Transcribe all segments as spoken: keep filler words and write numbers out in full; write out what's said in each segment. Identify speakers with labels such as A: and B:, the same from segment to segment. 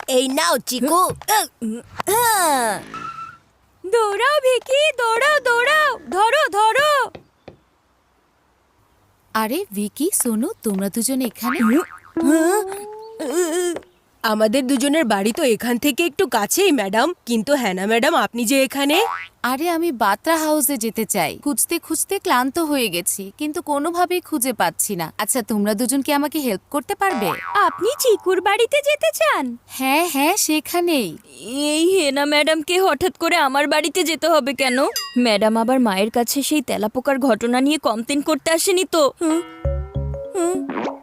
A: এই নাও চিকু।
B: দৌড়াও ভিকি, দৌড়াও দৌড়াও, ধরো ধরো।
C: আরে ভিকি সোনু, তোমরা দুজন এখানে?
A: আমাদের দুজনের বাড়ি তো এখান থেকে একটু কাছেই ম্যাডাম, কিন্তু হ্যানা ম্যাডাম আপনি যে এখানে।
C: আরে আমি বাত্রা হাউসে যেতে চাই, খুঁজতে খুঁজতে ক্লান্ত হয়ে গেছি, কিন্তু কোনোভাবেই খুঁজে পাচ্ছি না। আচ্ছা তোমরা দুজন কি আমাকে হেল্প করতে পারবে?
B: আপনি চিকুর বাড়িতে যেতে চান?
C: হ্যাঁ হ্যাঁ সেখানেই।
B: এই হেনা ম্যাডামকে হঠাৎ করে আমার বাড়িতে যেতে হবে কেন? ম্যাডাম আবার মায়ের কাছে সেই তেলাপোকার ঘটনা নিয়ে কমপ্লেন করতে আসেনি তো? হুম? হুম?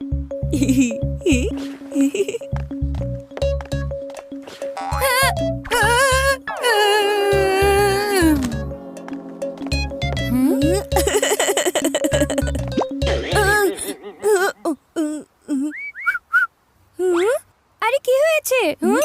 B: আরে কি হয়েছে?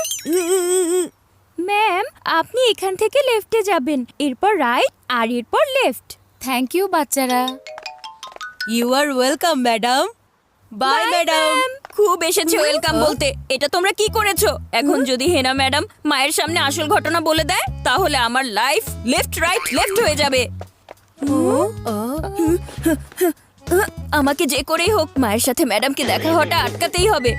B: ম্যাম আপনি এখান থেকে লেফটে যাবেন, এরপর রাইট, আর এরপর লেফট।
C: থ্যাংক ইউ বাচ্চারা।
A: You are welcome madam. Bye madam.
B: খুব এসেছে ওয়েলকাম বলতে। এটা তোমরা কি করেছো? এখন যদি হেনা ম্যাডাম মায়ের সামনে আসল ঘটনা বলে দেয়, তাহলে আমার লাইফ লেফট রাইট লেফট হয়ে যাবে। আমাকে যে করেই হোক মায়ের সাথে ম্যাডামকে দেখা হওয়াটা আটকাতেই হবে।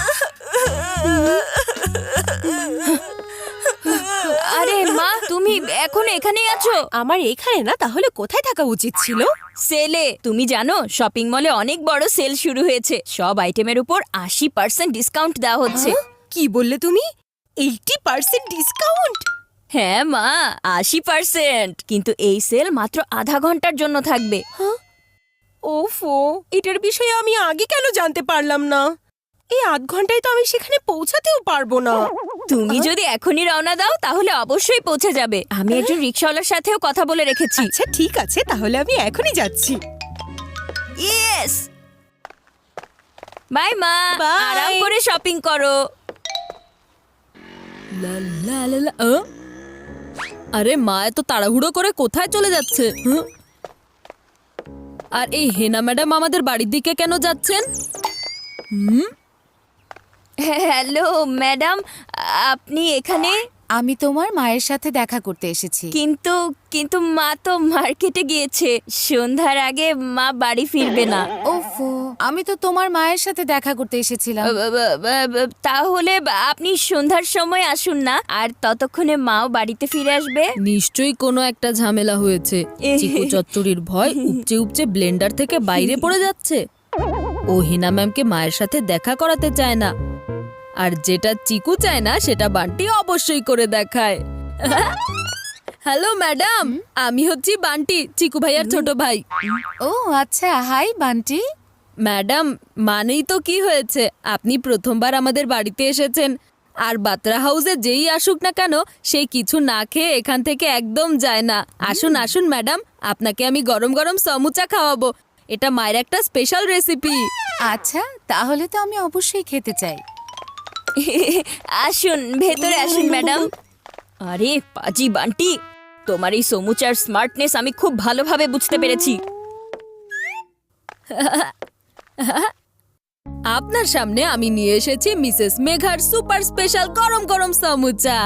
B: আরে মা, তুমি এখন এখানেই আছো?
A: আমার এখানে না, তাহলে কোথায় থাকা উচিত ছিল?
B: সেলে। তুমি জানো শপিং মলে অনেক বড় সেল শুরু হয়েছে, সব আইটেমের উপর আশি পার্সেন্ট ডিসকাউন্ট দেওয়া হচ্ছে।
A: কি বললে তুমি? Eighty percent discount?
B: হ্যাঁ মা, আশি পার্সেন্ট। কিন্তু এই সেল মাত্র আধা ঘন্টার জন্য থাকবে।
A: ওফো, এটার বিষয়ে আমি আগে কেন জানতে পারলাম না? এই আধ ঘন্টায় তো আমি সেখানে পৌঁছাতেও পারবো না।
B: তুমি যদি এখনই রওনা দাও তাহলে অবশ্যই পৌঁছে যাবে। আমি একজন রিক্সাওয়ালার সাথেও কথা বলে রেখেছি।
A: আচ্ছা ঠিক আছে, তাহলে আমি এখনই যাচ্ছি।
B: ইয়েস, বাই মা।
A: Bye.
B: আরাম করে শপিং করো।
D: লা লা লা লা, আ? আরে মা এত তাড়াহুড়ো করে কোথায় চলে যাচ্ছে? হুঁ? আর এই হেনা ম্যাডাম আমাদের বাড়ির দিকে কেন যাচ্ছেন? হুম?
B: হ্যালো ম্যাডাম, আপনি এখানে?
C: আমি তোমার মায়ের সাথে দেখা করতে এসেছি।
B: কিন্তু কিন্তু মা তো মার্কেটে গিয়েছে, সন্ধ্যার আগে মা বাড়ি ফিরবে না।
C: ওফো, আমি তো তোমার মায়ের সাথে দেখা করতে এসেছিলাম।
B: ব- ব- ব- ব- তাহলে আপনি সন্ধ্যার সময় আসুন না, আর ততক্ষণে মাও বাড়িতে ফিরে আসবে।
D: নিশ্চয়ই কোনো একটা ঝামেলা হয়েছে। চিকু চচ্চড়ির ভয় উপচে উপচে ব্লেন্ডার থেকে বাইরে পড়ে যাচ্ছে। ও হিনা ম্যামকে মায়ের সাথে দেখা করাতে চায় না, আর যেটা চিকু চায় না সেটা বান্টি অবশ্যই করে দেখায়। হ্যালো ম্যাডাম, আমি হচ্ছি বান্টি, চিকু ভাইয়ার ছোট ভাই।
C: ও আচ্ছা, হাই বান্টি।
D: ম্যাডাম, মানেই তো কি হয়েছে, আপনি প্রথমবার আমাদের বাড়িতে এসেছেন, আর বাত্রা হাউসে যেই আসুক না কেন সে কিছু না খেয়ে এখান থেকে একদম যায় না। আসুন আসুন ম্যাডাম, আপনাকে আমি গরম গরম সমুচা খাওয়াবো। এটা মায়ের একটা স্পেশাল রেসিপি।
C: আচ্ছা তাহলে তো আমি অবশ্যই খেতে চাই।
B: আসুন ভেতরে আসুন ম্যাডাম। আরে পাজি বান্টি, তোমার এই সমুচার স্মার্টনেস আমি খুব ভালোভাবে বুঝতে পেরেছি।
D: আপনার সামনে আমি নিয়ে এসেছি মিসেস মেঘার সুপার স্পেশাল গরম গরম সমুচা।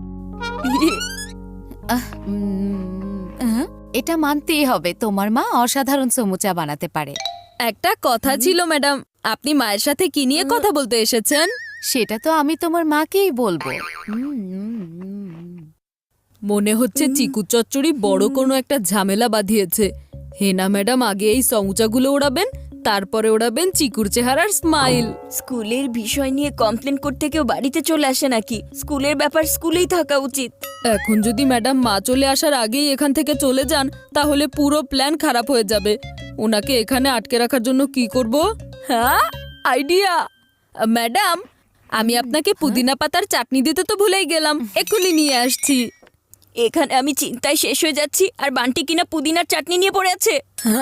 C: আহ, উম, আহ, এটা মানতেই হবে, তোমার মা অসাধারণ সমুচা বানাতে পারে।
D: একটা কথা ছিল ম্যাডাম, আপনি মায়ের সাথে কি নিয়ে কথা বলতে এসেছেন?
C: সেটা তো আমি তোমার মাকেই বলবো। উম, উম, উম।
D: মনে হচ্ছে চিকু চচ্চড়ি বড় কোনো একটা ঝামেলা বাঁধিয়েছে। হেনা ম্যাডাম আগে এই সমুচাগুলো ওড়াবেন, তারপরে ওড়াবেন চিকুর চেহারার স্মাইল।
B: স্কুলের বিষয় নিয়ে কমপ্লেন করতে কেউ বাড়িতে চলে আসে নাকি? স্কুলের ব্যাপার স্কুলেই থাকা উচিত।
D: এখন যদি ম্যাডাম মা চলে আসার আগেই এখান থেকে চলে যান তাহলে পুরো প্ল্যান খারাপ হয়ে যাবে। ওনাকে এখানে আটকে রাখার জন্য কি করব? হ্যাঁ, আইডিয়া। ম্যাডাম, আমি আপনাকে পুদিনা পাতার চাটনি দিতে তো ভুলেই গেলাম, এক্ষুনি নিয়ে আসছি।
B: এখানে আমি চিন্তায় শেষ হয়ে যাচ্ছি, আর বান্টি কিনা পুদিনার চাটনি নিয়ে পড়ে আছে।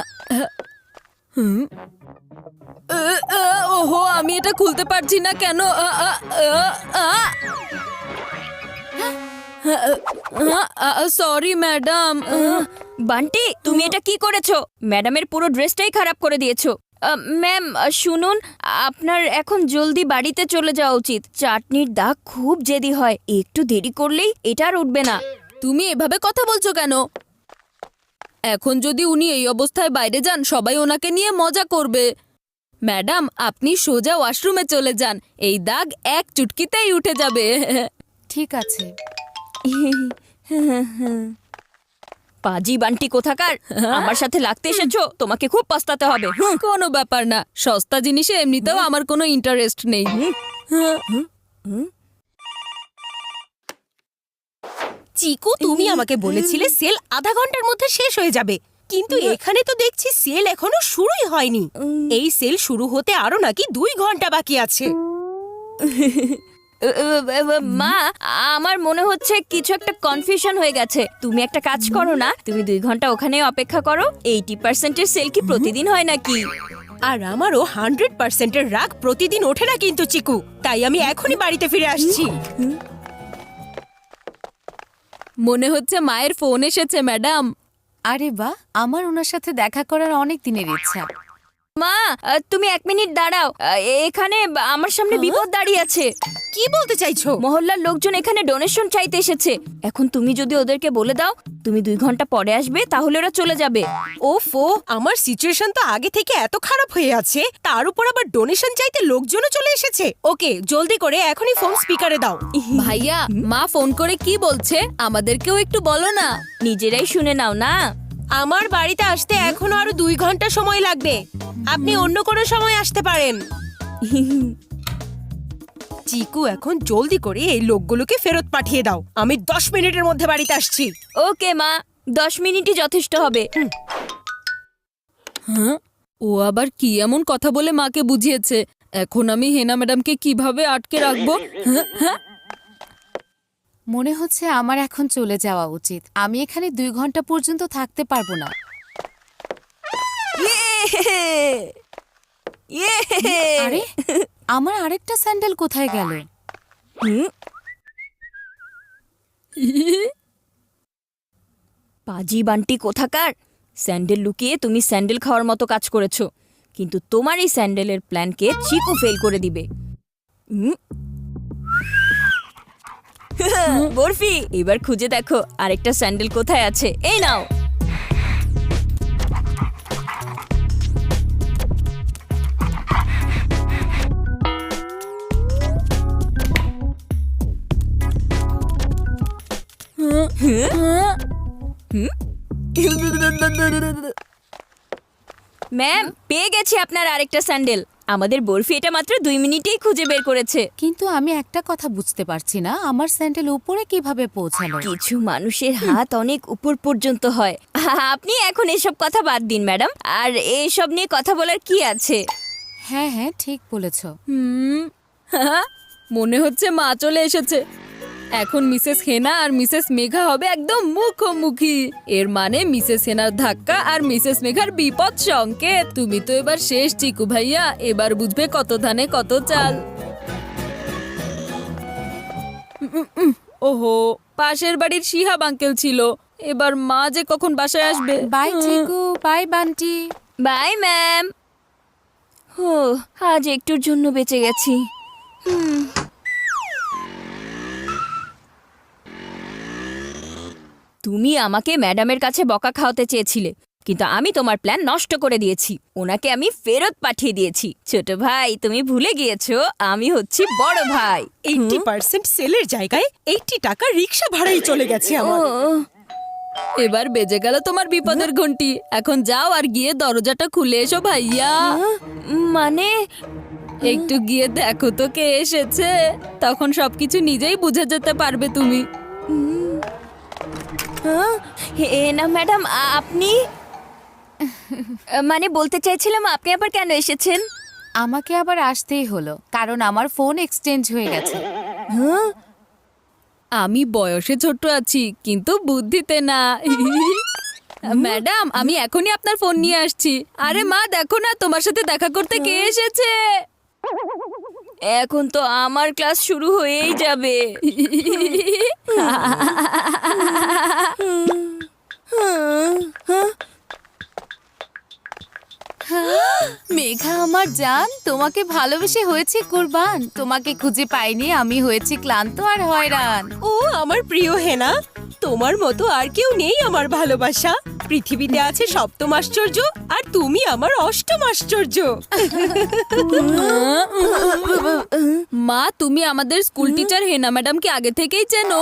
D: ওহো, আমি এটা খুলতে পারছি না কেন? Sorry madam.
B: বান্টি, তুমি এটা কি করেছো? ম্যাডামের পুরো ড্রেসটাই খারাপ করে দিয়েছো। ম্যাম শুনুন, আপনার এখন জলদি বাড়িতে চলে যাওয়া উচিত। চাটনির দাগ খুব জেদি হয়, একটু দেরি করলেই এটা আর উঠবে না।
D: তুমি এভাবে কথা বলছো কেন? এখন যদি উনি এই অবস্থায় বাইরে যান, সবাই ওনাকে নিয়ে মজা করবে। ম্যাডাম, আপনি সোজা ওয়াশরুমে চলে যান, এই দাগ এক চুটকিতেই উঠে যাবে।
C: ঠিক আছে।
B: পাজি বান্টি কোথাকার, আমার সাথে লাগতে এসেছো, তোমাকে খুব পস্তাতে হবে। হুম।
D: কোনো ব্যাপার না, সস্তা জিনিসে এমনিতেও আমার কোনো ইন্টারেস্ট নেই।
A: চিকু, তুমি আমাকে বলেছিলে সেল আধা ঘন্টার মধ্যে শেষ হয়ে যাবে, কিন্তু এখানে তো দেখছি সেল এখনো শুরুই হয়নি। এই সেল শুরু হতে আরো নাকি দুই ঘন্টা বাকি আছে।
B: মা, আমার মনে হচ্ছে কিছু একটা কনফিউশন হয়ে গেছে। তুমি একটা কাজ করো না, তুমি দুই ঘন্টা ওখানে অপেক্ষা করো। এইটি পার্সেন্টের সেল কি প্রতিদিন হয় নাকি?
A: আর আমারও হান্ড্রেড পার্সেন্টের রাগ প্রতিদিন ওঠে না কিন্তু চিকু, তাই আমি এখনই বাড়িতে ফিরে আসছি।
D: মনে হচ্ছে মায়ের ফোন এসেছে ম্যাডাম।
C: আরে বাহ, আমার ওনার সাথে দেখা করার অনেক দিনের ইচ্ছা।
B: মা, আহ, তুমি এক মিনিট দাঁড়াও। আহ, এখানে আমার সামনে বিপদ দাঁড়িয়ে আছে।
A: কি বলতে চাইছো?
B: মহল্লার লোকজন এখানে ডোনেশন চাইতে এসেছে। এখন তুমি যদি ওদেরকে বলে দাও তুমি দুই ঘন্টা পরে আসবে, তাহলে ওরা চলে যাবে।
A: ওফো, আমার সিচুয়েশন তো আগে থেকে এত খারাপ হয়ে আছে, তার উপর আবার ডোনেশন চাইতে লোকজনও চলে এসেছে। ওকে, জলদি করে এখনই ফোন স্পিকারে দাও।
D: ভাইয়া, মা ফোন করে কি বলছে আমাদেরকেও একটু বলো না।
B: নিজেরাই শুনে নাও না।
A: আমার বাড়িতে আসতে এখনো আরো দুই ঘন্টা সময় লাগবে, আপনি অন্য কোনো সময় আসতে পারেন। চিকু, এখন জলদি করে এই লোকগুলোকে ফেরত পাঠিয়ে দাও, আমি দশ মিনিটের মধ্যে বাড়িতে আসছি।
B: ওকে মা, দশ মিনিটই যথেষ্ট হবে।
D: হ্যাঁ, ও আবার কি এমন কথা বলে মাকে বুঝিয়েছে? এখন আমি হেনা ম্যাডামকে কিভাবে আটকে রাখবো? হ্যাঁ, হ্যাঁ।
C: মনে হচ্ছে আমার এখন চলে যাওয়া উচিত। আমি এখানে দুই ঘন্টা পর্যন্ত থাকতে পারবো না। আরে, আমার আরেকটা স্যান্ডেল কোথায় গেল?
B: পাজি বান্টি কোথাকার, স্যান্ডেল লুকিয়ে তুমি স্যান্ডেল খাওয়ার মতো কাজ করেছো, কিন্তু তোমার এই স্যান্ডেলের প্ল্যানকে চিকু ফেল করে দিবে। হুম। বরফি, এবার খুঁজে দেখো আরেকটা স্যান্ডেল কোথায় আছে। এই নাও। ম্যাম, পেয়ে গেছি আপনার আরেকটা স্যান্ডেল। আমাদের বরফি এটা মাত্র দুই মিনিটেই খুঁজে বের করেছে।
C: কিন্তু আমি একটা কথা বুঝতে পারছি না, আমার স্যান্ডেল উপরে কিভাবে পৌঁছালো?
B: কিছু মানুষের হাত অনেক উপর পর্যন্ত হয়। আপনি এখন এসব কথা বাদ দিন ম্যাডাম, আর এসব নিয়ে কথা বলার কি আছে?
C: হ্যাঁ হ্যাঁ, ঠিক বলেছো।
D: হুম, হ্যাঁ, মনে হচ্ছে মা চলে এসেছে। এখন মিসেস হেনা আর মিসেস মেঘা হবে একদম মুখোমুখি। এর মানে মিসেস হেনার ধাক্কা আর মিসেস মেঘার বিপদ সংকেত। তুমি তো এবার শেষ চিকু ভাইয়া, এবার বুঝবে কত ধানে কত চাল। উম, উম, ওহো, পাশের বাড়ির শিহাব আঙ্কেল ছিল। এবার মা যে কখন বাসায় আসবে।
C: Bye Chiku, bye Bunty.
B: Bye ma'am. ও, আজ একটুর জন্য বেঁচে গেছি। হুম। তুমি আমাকে ম্যাডামের কাছে বকা খাওয়াতে চেয়েছিলে, কিন্তু আমি তোমার প্ল্যান নষ্ট করে দিয়েছি। ওনাকে আমি ফেরত পাঠিয়ে দিয়েছি। ছোট ভাই, তুমি ভুলে গিয়েছো আমি হচ্ছি বড় ভাই।
A: এইটি পার্সেন্ট সেলের জায়গায় এইটি টাকা রিক্সা ভাড়াই চলে গেছে
B: ও,
A: আমার।
D: এবার বেজে গেল তোমার বিপদের ঘন্টি। এখন যাও আর গিয়ে দরজাটা খুলে এসো ভাইয়া।
B: মানে
D: একটু গিয়ে দেখো তো কে এসেছে, তখন সবকিছু নিজেই বুঝে যেতে পারবে তুমি।
B: হ্যাঁ, হে না ম্যাডাম, আপনি মানে বলতে চাইছিলাম আপনি আবার কেন এসেছেন?
C: আমাকে আবার আসতেই হলো, কারণ আমার ফোন এক্সচেঞ্জ হয়ে গেছে।
B: হ্যাঁ,
D: আমি বয়সে ছোট আছি কিন্তু বুদ্ধিতে না। ম্যাডাম, আমি এখনই আপনার ফোন নিয়ে আসছি। আরে মা, দেখো না তোমার সাথে দেখা করতে কে এসেছে।
B: এখন তো আমার ক্লাস শুরু হয়েই যাবে।
C: মেঘা আমার জান, তোমাকে ভালোবেসে হয়েছে কুরবান। তোমাকে খুঁজে পাইনি, আমি হয়েছি ক্লান্ত আর হয়রান।
A: ও আমার প্রিয় হেনা, তোমার মতো আর কেউ নেই আমার ভালোবাসা। পৃথিবীতে আছে সপ্তম আশ্চর্য আর তুমি আমার অষ্টম আশ্চর্য।
D: মা, তুমি আমাদের স্কুল টিচার হেনা ম্যাডামকে আগে থেকেই চেনো?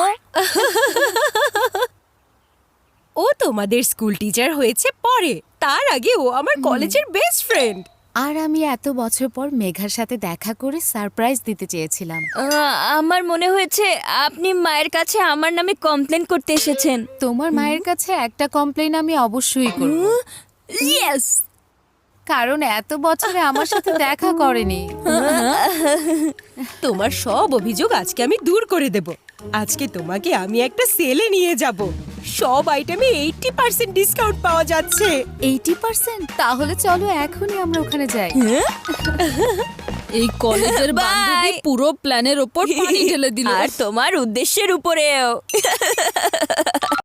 A: ও তোমাদের স্কুল টিচার হয়েছে পরে, তার আগে ও আমার কলেজের বেস্ট ফ্রেন্ড।
C: আর আমি এত বছর পর মেঘার সাথে দেখা করে সারপ্রাইজ দিতে চেয়েছিলাম।
B: আহ, আমার মনে হয়েছে আপনি মায়ের কাছে আমার নামে কমপ্লেন করতে এসেছেন।
C: তোমার মায়ের কাছে একটা কমপ্লেন আমি অবশ্যই করব,
B: ইয়েস।
C: কারণ এত বছরে আমার সাথে দেখা করেনি।
A: তোমার সব অভিযোগ আজকে আমি দূর করে দেব। আজকে তোমাকে আমি একটা সেলে নিয়ে যাব। সব আইটেমে এইটি পার্সেন্ট ডিসকাউন্ট পাওয়া যাচ্ছে।
C: Eighty percent? তাহলে চলো এখনই আমরা ওখানে যাই।
D: এই কলেজের
B: Bye!
D: বান্ধবী পুরো প্ল্যানের ওপর পানি ঢেলে দিল।
B: আর তোমার উদ্দেশ্যের উপরেও।